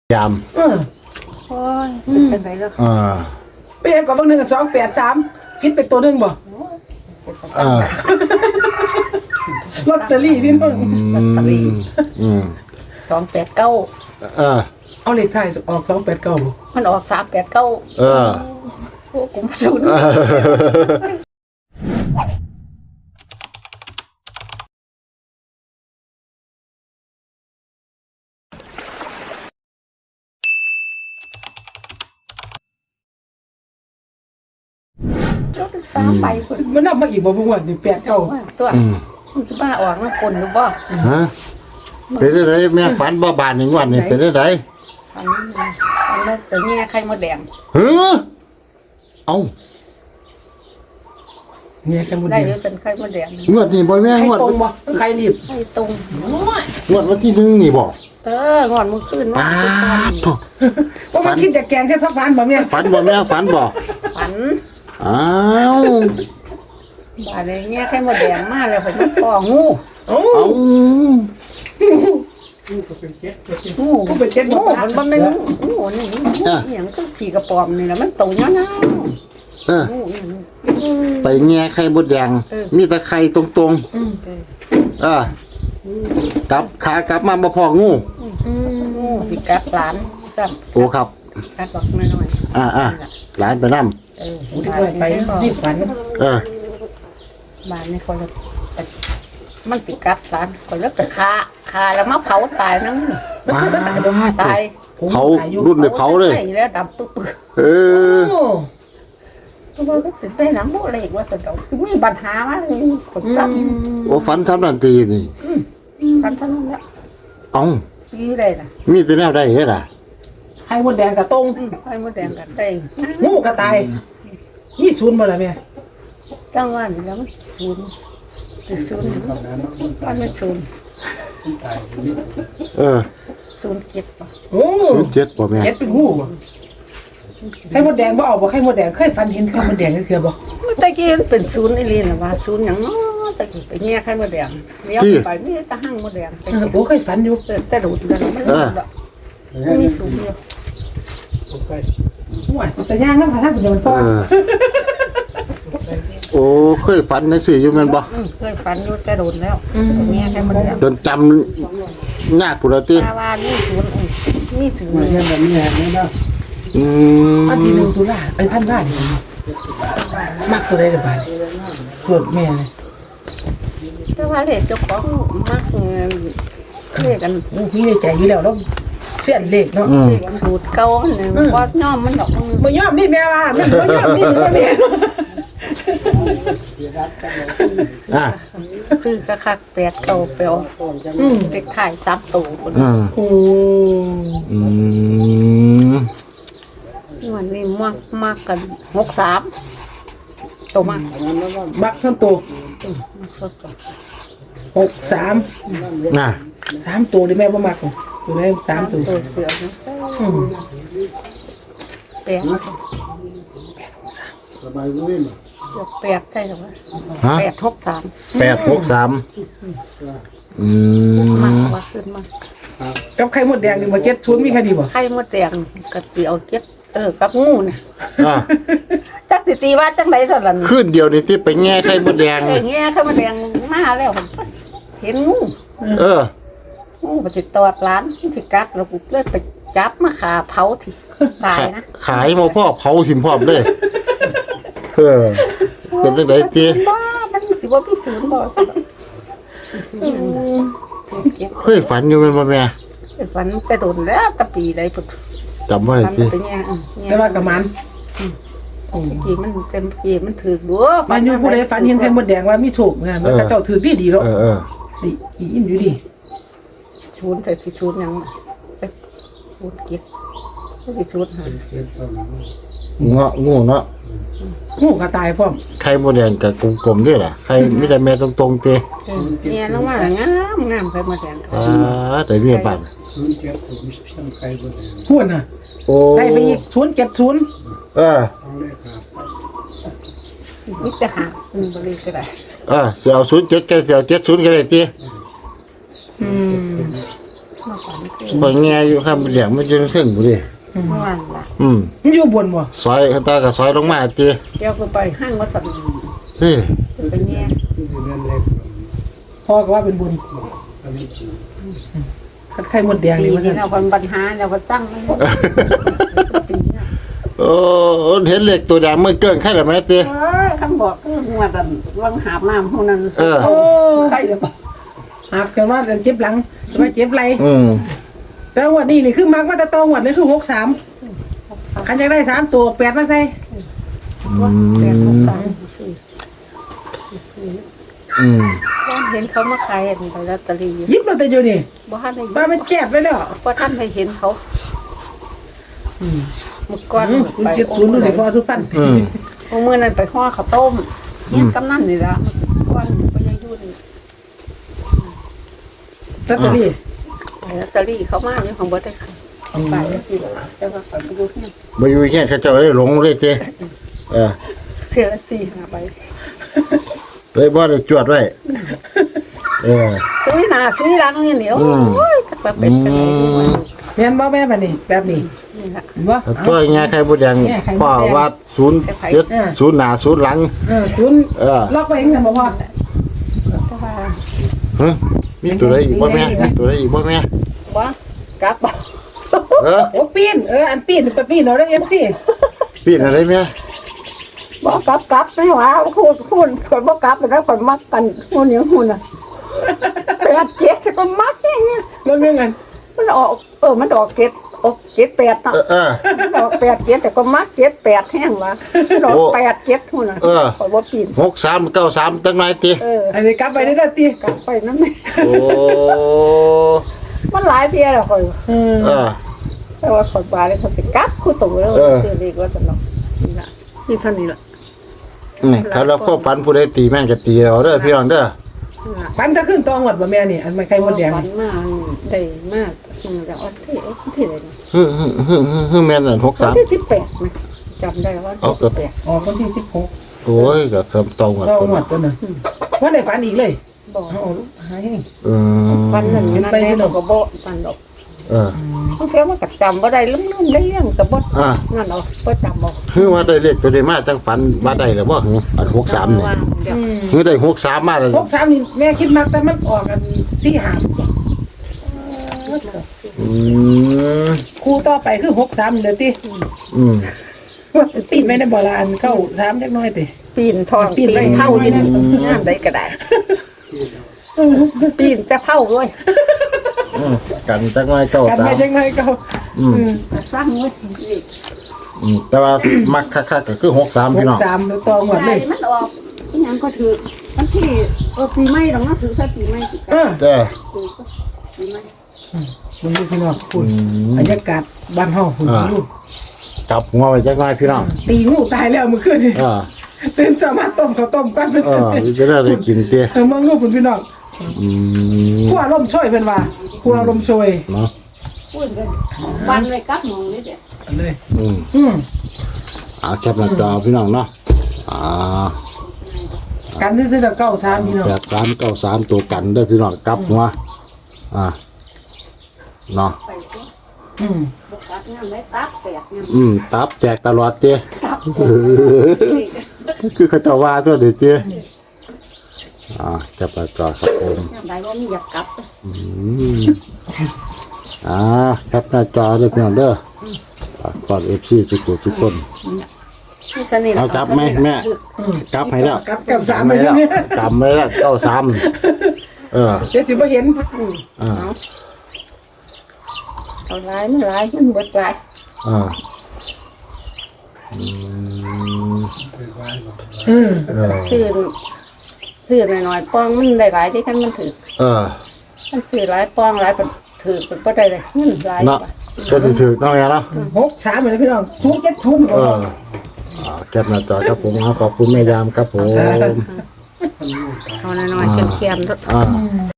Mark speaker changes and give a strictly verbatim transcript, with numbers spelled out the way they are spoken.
Speaker 1: ยาม
Speaker 2: เออ
Speaker 3: โอ้ยเป็นไรแล้ว
Speaker 1: อ่า
Speaker 2: เปลี่ยนกับเบางหนึ่งสองแปดสามคิดเป็นตัวหนึ่งบ่
Speaker 1: อ่า
Speaker 2: ลอตเตอรี่พี่น้อง
Speaker 3: ลอตเตอรี่
Speaker 1: อืม
Speaker 3: สองแปดเก้า
Speaker 1: เออ
Speaker 2: เอาเลขท้ายออกสองแปดเก้าบ่
Speaker 3: มันออกสามแปดเก้า
Speaker 1: เออ
Speaker 3: โอ้กุมศูนย์สามใบคน
Speaker 2: มันนับมาอีกบ่บ่วันนี่แปดเก้า
Speaker 3: ตัวมันจะบ้าออกมันคนหรือบ่
Speaker 1: ฮะเป็นได้ไรแม่ฝันบ่บานหนึ่งวันนี่เป็นได้ไร
Speaker 3: ฝันฝันแล้วแต่เนี่ยไข่มดแดง
Speaker 1: เฮ้อเอา
Speaker 2: เนี่ยแค่หมด
Speaker 3: ได้
Speaker 2: เดี
Speaker 3: หรื
Speaker 2: ยว
Speaker 3: อเป็นไข่มดแดง
Speaker 1: งวดนี่บ่แม่
Speaker 2: ใครง
Speaker 1: วด
Speaker 2: ตรงบ่ต้องใครรีบ
Speaker 3: ไข่ตรง
Speaker 1: งวดวันที่หนึ่งนี่บ่
Speaker 3: เอองอนมือขึ้น
Speaker 1: ป้าโถ่
Speaker 2: ว่ามันคิดจะแกงแค่พักร้านบ่แม่
Speaker 1: ฝันบ่แม่ฝันบ่
Speaker 3: ฝัน
Speaker 1: อ้าว
Speaker 3: อะไรเงี้ยไข่มดแดงมาแล้วผมมันปองู
Speaker 2: โอ้
Speaker 1: เอา
Speaker 3: งู
Speaker 2: ก็เป็นเจ็ด
Speaker 3: งู
Speaker 2: บ่
Speaker 3: มันบ่แม่นงูนี่นี่หยังคือขี่กระป๋อมนี่แหละมันโตยาว
Speaker 1: เออ
Speaker 3: ๆงูนี่
Speaker 1: ไปแง่ไข่มดแดงมีแต่ไข่ตรงๆเออ กลับขากลับมาบ่พองู
Speaker 3: งูสิกัดหลานซ้ำ
Speaker 1: โอ้ครับ
Speaker 3: กัดบอกน้อย
Speaker 1: อ่าอ่าหลานไปนำ
Speaker 3: ๆเออ
Speaker 2: โอ้ยไปรีบฝัน
Speaker 1: เออ
Speaker 3: บ้านนี่คนละมันสิกัดหลานคนละก็คาคาแล้วมาเผาตายนั่ง
Speaker 1: ว้า
Speaker 3: ตาย
Speaker 1: เผารุ่นได้เผาเลย
Speaker 3: ใช่แล้วดำปึ๊บ
Speaker 1: เออ
Speaker 2: โอ้
Speaker 3: ๆว่าก็สิไปหนังบ่เลยว่าแต่เดามีปัญหามาเลยคนซ้ำ
Speaker 1: โอ้ฝันทำนันตีนี่
Speaker 3: กันเท่านั้นแหละ
Speaker 1: เอ้า
Speaker 3: ปีได้ล่ะ
Speaker 1: มีแต่แนวได้เฮ็ดอ่ะ
Speaker 2: ไข่มดแดงกับตรง
Speaker 3: ไข่มดแดงกันได้
Speaker 2: งูกระต่ายนี่ศูนย์บ่ล่ะแม่
Speaker 3: จังหวะนี้แล้วมันศูนย์ศูนย์มันไม่ศูนย์
Speaker 1: เออ
Speaker 3: ศูนย์เจ็ดป่ะ
Speaker 2: โอ้
Speaker 1: ศูนย์เจ็ดบ่แม่
Speaker 2: เจ็ดเป็นงูบ่ไข่มดแดงบ่เอาบ่ไข่มดแดงเคยฝันเห็นไข่มดแดงจังเทื่อบ่
Speaker 3: ตะกี้มันเป็นศูนย์อีหลีน่ะว่าศูนย์หยังเนาะตะกี้ไปแง่ไข่มดแดงเลี้ยวไปมีแตะหั่งมดแดงไป
Speaker 2: เออโอ้เคยฝันอยู่
Speaker 3: เออแต่ดูดกันมันมันมีศูนย์เดียว
Speaker 2: ห่วยแต่ย่างนำพระท่านเป็นมันต่อ
Speaker 1: เออโอ้เคยฝันจังซี่อยู่แม่นบ่
Speaker 3: อืมเคยฝันอยู่แต่โดนแล้วแง่ไข่มดแดง
Speaker 1: จนจำยากพุ่นละติ
Speaker 3: ตาว่านี่ศูนย์อืมมีศูนย์
Speaker 1: อืม
Speaker 2: วันที่หนึ่งตุลาไอ้ท่านว่านี่มักตัวใดเด้อบาดส่วนแม่เลย
Speaker 3: แต่ว่าเลขเจ้าของมักเงินเลขกัน
Speaker 2: โอ้พี่ในใจอยู่แล้วแล้วเสียนเลขเนาะ
Speaker 1: อืม
Speaker 3: เลขสูตรเก่าอันนึงบ่ย่อมมันดอก
Speaker 2: บ่ยอมนี่แม่ว่าแม่บ่ยอมนี่แม่
Speaker 1: อ่ะ
Speaker 3: ซื้อคักๆแปดเก่าเปลว
Speaker 2: อืม
Speaker 3: เลขท้ายสามตัวคน
Speaker 1: อืม
Speaker 2: โอ้
Speaker 1: อืม
Speaker 3: วันนี้มักมักกันหกสามตัวมาก
Speaker 2: บักทั้งตัว
Speaker 3: มักสดก่อน
Speaker 2: หกสาม
Speaker 1: น่ะ
Speaker 2: สามตัวดิแม่บ่มักตัวไหนสามตัว
Speaker 3: ตัวเสือนะ
Speaker 2: อืม
Speaker 3: แปดเกือบแปดใช่หรือเปล่า
Speaker 1: ฮะ
Speaker 3: แปดหกสาม
Speaker 1: แปดหกสามอื
Speaker 3: มาก
Speaker 1: ม
Speaker 3: ว่าขึ้นมาก
Speaker 2: กับไข่มดแดงนี่บ่เจ็ดศูนย์มีแค่ดีบ่
Speaker 3: ไข่มดแดงกระเตียวเจ็ดเออกับงูน่ะ
Speaker 1: อ่ะ
Speaker 3: จักสิตีว่าจังไหนเท่านั้น
Speaker 1: ขึ้นเดียวนี่ที่ไปแง่ไข่มดแดง
Speaker 3: เอ้ยเงี้ยไข่มดแดงมาแล้วผมเห็นงู
Speaker 1: เออ
Speaker 3: งูไปติดตอดร้านที่กัดแล้วกูเลยไปจับมาขาเผาที่ตายนะ
Speaker 1: ขายมาพ่อเผาหิมพร้อมเลยเออ เป็นจังไดตี
Speaker 3: บ้ามันสิว่าพี่ศูนย์บ่สิ
Speaker 1: เคยฝันอยู่แม่นบ่แม่
Speaker 3: ฝันแต่โดนแล้วตะปีใดพุ่น
Speaker 1: จำไว้
Speaker 3: ฝัน
Speaker 2: แ
Speaker 1: ติ
Speaker 2: ต่ว่ากับมัน
Speaker 3: จีมันเต็มจีมันถือดู
Speaker 2: มันอยู่ผู้ใดฝันเห็นไข่มดแดงว่ามีโชคงานมันก็เจ้าถือดีๆเนาะ
Speaker 1: เออเออ
Speaker 2: ดีอิ่มอยู่ดี
Speaker 3: ชูนแต่ที่ชูนยังไปชูนเก็บที่ชูนหา
Speaker 1: เงาะงูเนาะ
Speaker 2: งูก็ตายพร้อม
Speaker 1: ไข่มดแดงกับกลมๆด้วยล่ะไข่มีแต่แม่ตรงๆติ
Speaker 3: เนี่ยน้องว่างามงามไปมาแดง
Speaker 1: อ่าแต่มีบ้าน
Speaker 2: พูดน่ะ
Speaker 1: โอ้
Speaker 2: ได้ไปอีกศูนย์เจ็ดศูนย์
Speaker 1: เออ
Speaker 3: มิจะหาอืมบริก็ได้
Speaker 1: เออสิเอาศูนย์เจ็ดก็สิเอาเจ็ดศูนย์ก็ได้ติ
Speaker 2: อืม
Speaker 3: มาฝันคือ
Speaker 1: บ่แง่อยู่ครับเลี้ยงมันอยู่เทิงบ่ดิ
Speaker 3: นั่นล่ะ
Speaker 1: อืม
Speaker 2: มันอยู่บนบ่
Speaker 1: ซอยตาก็ซอยลงมาติ
Speaker 3: เดี๋ยวก็ไปห้างวัดสัน
Speaker 1: เฮ้ย
Speaker 3: ไปแง่
Speaker 2: พ่อก็ว่าเป็นบุญคันไข่มดแดง
Speaker 3: ปี
Speaker 2: นี่ว่า
Speaker 3: นี้
Speaker 2: ซั่น
Speaker 3: เราคนปัญหาเราคนตั้งไม่หมดปีนี้
Speaker 1: โอ้เห็นเหล็กตัวแดงมันเกินใครล่ะแม่ติ
Speaker 3: เออคำบอกคือหัวแต่วังหาบน้ำพวกนั้น
Speaker 1: เออ
Speaker 2: โอ้
Speaker 3: ใครเดี๋ยว
Speaker 2: หาบกันว่าเจ็บหลังว่าเจ็บไหล่
Speaker 1: อืม
Speaker 2: แต่งวดนี้นี่คือมักมาแต่ตองวดนี่คือหกสามคันอยากได้สามตัวแปดมาใส่
Speaker 3: ว่าแปดหกสามสี่
Speaker 1: อืม
Speaker 3: ว่าเห็นเขามาขายไปลอตเตอรี่
Speaker 2: หยิบลอตเตอรี่อยู่นี่
Speaker 3: บ่ทันได้
Speaker 2: ป้ามันแจ็บเลยเนาะ
Speaker 3: บ่ทันได้เห็นเขาเมื่อก่อน
Speaker 2: คุณเจ็ดศูนย์ดูดิพอสุพรรณ
Speaker 1: อืม
Speaker 3: เมื่อนั้นไปห่อข้าวต้มเนี่ยกำนันนี่ละก่อนไปยังยุ่น
Speaker 2: ลอตเตอรี่
Speaker 3: ลอตเตอรี่เขามาอยู่ของบ่ได้ขายไปแล้วสิแต่ว่าไปดูที่
Speaker 1: บ่อยู่แค่เขาเจ้าได้หลงเลยติเออ
Speaker 3: เทื่อละสี่ห้าใบ
Speaker 1: เลยบ่ได้จวดไว้เออ
Speaker 3: ซุยหน้าซุยหลังนี่เหนียว
Speaker 1: อืม
Speaker 3: โอ้ยถ้าว่าเป็นจังได๋
Speaker 2: เรียนบ่แม่แบบนี้แบบนี้
Speaker 3: นี่ล่ะ
Speaker 2: บ่
Speaker 1: ตัวแง่ไข่บ่แดง
Speaker 2: แง่ไข่มดแดง
Speaker 1: พ่อว่าศูนย์เจ็ดศูนย์หน้าศูนย์หลัง
Speaker 2: เออศูนย์
Speaker 1: เออ
Speaker 2: ล็อกไว้เองนะบ่พ่อ
Speaker 3: แต่ว่า
Speaker 1: ฮะมีตัวใดอีกบ่แม่มีตัวใดอีกบ่แม่
Speaker 3: บ่กลับบ่
Speaker 1: เออ
Speaker 2: โอ้ปีนเอออันปีนไปปีนเอาได้เอฟซี
Speaker 1: ปีนอะไรแม่
Speaker 3: บ่กลับกลับไม่ว่าคูณคูณคนบ่กลับแล้วคนมักกันฮู้นี่ฮู้น่ะแปดเจ็ดก็มักอย่างเงี้ย
Speaker 2: มันเรื่องกัน
Speaker 3: มันออกเออมันออกเจ็ดออกเจ็ดแปดน่ะ
Speaker 1: เออเออ
Speaker 3: มันออกแปดเจ็ดแต่ก็มักเจ็ดแปดแห้งวะมันออก
Speaker 1: โอ้
Speaker 3: แปดเจ็ดหุ่นน่ะ
Speaker 1: เออ
Speaker 3: ข่อยบ่ปีน
Speaker 1: หกสามเก้าสามตั้งไหนติ
Speaker 3: เออ
Speaker 2: อันนี้กลับไปได้แล้วตี
Speaker 3: กลับไปนั่นแหละ
Speaker 1: โอ้
Speaker 3: มันหลายเที่ยแล้วข่อย
Speaker 2: เออ
Speaker 1: เออ
Speaker 3: แต่ว่าข่อยบาเลยเขาสิกลับคู่ตรงแล้ว
Speaker 1: เออ
Speaker 3: ซื้อเลขว่าซั่นเนาะนี่ล่ะนี่เท่านี้ล่ะ
Speaker 1: นี่ถ้าเราควบฝันผู้ใดตีแม่งจะตีเราเด้อพี่น้องเด้อ
Speaker 3: นี่ล่ะ
Speaker 2: ปันจะขึ้นตองหมดบ่แม่นี่อันไม่ไข่มดแดง
Speaker 3: ฝัน
Speaker 2: นี่
Speaker 3: มาได้มากจริงแล้วอันที่อันที่ไหนนะ
Speaker 1: ฮึฮึฮึฮึฮึแม่นนั่นหก
Speaker 3: วัน
Speaker 1: สาม
Speaker 3: ที่สิบแปดนะจำได้ว่า
Speaker 1: เอาเกิด
Speaker 3: สิบแปด
Speaker 2: ออกวันที่สิบหก
Speaker 1: โอ้ยก็เสริมตรงอ่ะ
Speaker 2: ตอง
Speaker 1: ตัว
Speaker 2: หมดตัวนึงว่าได้ฝันอีกเลย
Speaker 3: บอก
Speaker 2: เอาลูกหาย
Speaker 1: เออ
Speaker 3: ฝันนั่นอยู่นั่นแน่เราก็บ่ฝันดอก
Speaker 1: เออ
Speaker 3: บางเทีมันก็จำบ่ได้ลืมๆได้เรื่องแต่บ่
Speaker 1: อ่า
Speaker 3: นั่นเอาบ่จำบ่
Speaker 1: คือว่าได้เลขตัวใดมาจังฝันว่าได้แล้วบ่หึอันหกสามนี่
Speaker 3: ว่าเดี๋ยว
Speaker 1: คือได้หกสามมาแล้ว
Speaker 2: หกสามนี่แม่คิดมากแต่มันออกกันสี่หา
Speaker 1: อืม
Speaker 2: คู่ต่อไปคือหกสามเดี๋ยวตี
Speaker 1: อืม
Speaker 2: ปีนไม่ได้บ่ละอันเข้าสามเล็กน้อยติ
Speaker 3: ปีนทอง
Speaker 2: ปี
Speaker 3: ปี
Speaker 2: น
Speaker 3: น
Speaker 2: ไป
Speaker 3: เผาอยู่นี่งามได้ก็ได้ปีนจะเผาด้วย
Speaker 1: อืมกันจังไว้เก้า
Speaker 2: กัน
Speaker 1: สา
Speaker 2: ไม่
Speaker 1: ม
Speaker 2: ใช่ไงเขา
Speaker 1: อืม
Speaker 3: สร้างไว้
Speaker 1: อืมแต่ว่ามักคักๆก็คือหกสาม
Speaker 2: ห
Speaker 1: พี่
Speaker 2: ก
Speaker 1: น้อง
Speaker 2: สามตองหมด
Speaker 3: ใช่
Speaker 2: เลย
Speaker 3: มันออกอีหยังก็ถือมันที่เออปีใหม่ดอกนะถือซะปีใหม่สิ
Speaker 2: เออ
Speaker 1: เด้อ
Speaker 3: ถือก็ปีใหม่
Speaker 2: มึงดูพี่น้องคุ
Speaker 1: อื
Speaker 2: ณ
Speaker 1: ม
Speaker 2: บรรยากาศบ้านเฮาคุณ
Speaker 1: อ่า
Speaker 2: ลูก
Speaker 1: จับหัวไว้จังไว้พี่น้อง
Speaker 2: ตีงูตายแล้วเมื่อคืนนี่
Speaker 1: เออ
Speaker 2: ตื่นสามารถต้มข้าวต้มก้อนไป
Speaker 1: เอ
Speaker 2: ใส่
Speaker 1: อจะได้ได้กินเตี้ย
Speaker 2: เออมึงลูกคุณพี่น้อง
Speaker 1: อืม
Speaker 2: ขัวลมช่วยเพิ่นว่าขัวลมช่วย
Speaker 1: เนาะ
Speaker 3: พูดกันบ้านไว้กับหมองนี่เด้อ
Speaker 2: เลย
Speaker 1: อืม
Speaker 2: อืม
Speaker 1: เอาแคปหน้าจอพี่น้องเนาะอ่า
Speaker 2: กันที่ซื้อเก้าสามพี่น้อง
Speaker 1: แปดสามเก้าสามตัวกันเด้อพี่น้องกลับหัวอ่าเนาะ
Speaker 3: ไปก็
Speaker 2: อืม
Speaker 3: บ่กัดงามได้ตับแตกงาม
Speaker 1: อืมตับแจกตลอดเตี้ย
Speaker 3: ตับ
Speaker 1: เออคือเขาจะว่าตัวเด็ดเตี้ยอ่าแคปหน้าจอครับผม
Speaker 3: งามได้บ่มีอยากกลับ
Speaker 1: อืมอ่าแคปหน้าจอเด้อพี่น้องเด้อฝากกอดเอฟซีทุกคนทุกคน
Speaker 3: ที่สนิท
Speaker 1: เอาจับไหมแม่กลับให้แล้ว
Speaker 2: กับกับสาม
Speaker 1: จำ
Speaker 2: ไป
Speaker 1: ไม่แล้ว
Speaker 2: เนี่ย
Speaker 1: จำไม่แล้วเก้าสามเออ
Speaker 2: เดี๋ยวสิบ่เห็น
Speaker 1: อ่า
Speaker 3: เอาหลายมันหลายมันเบิดหลาย
Speaker 1: อ่าอืม
Speaker 2: เออ
Speaker 1: เออ
Speaker 3: ซื้อซื้อหน่อยๆปองมันได้หลายที่คันมันถือ
Speaker 1: เออ
Speaker 3: มันซื้อหลายปองหลายก็ถือเป็นบ่ได้เลยเงินหลาย
Speaker 1: เนาะก็ถือถือน้องแอเนาะ
Speaker 2: หกสามเลยพี่น้องทุกเจ็ดทุก
Speaker 1: เอออ่าแคปหน้าจอครับผมขอบคุณแม่ยามครับผม
Speaker 3: เอาหน่อยๆเค็มๆ
Speaker 1: อ่า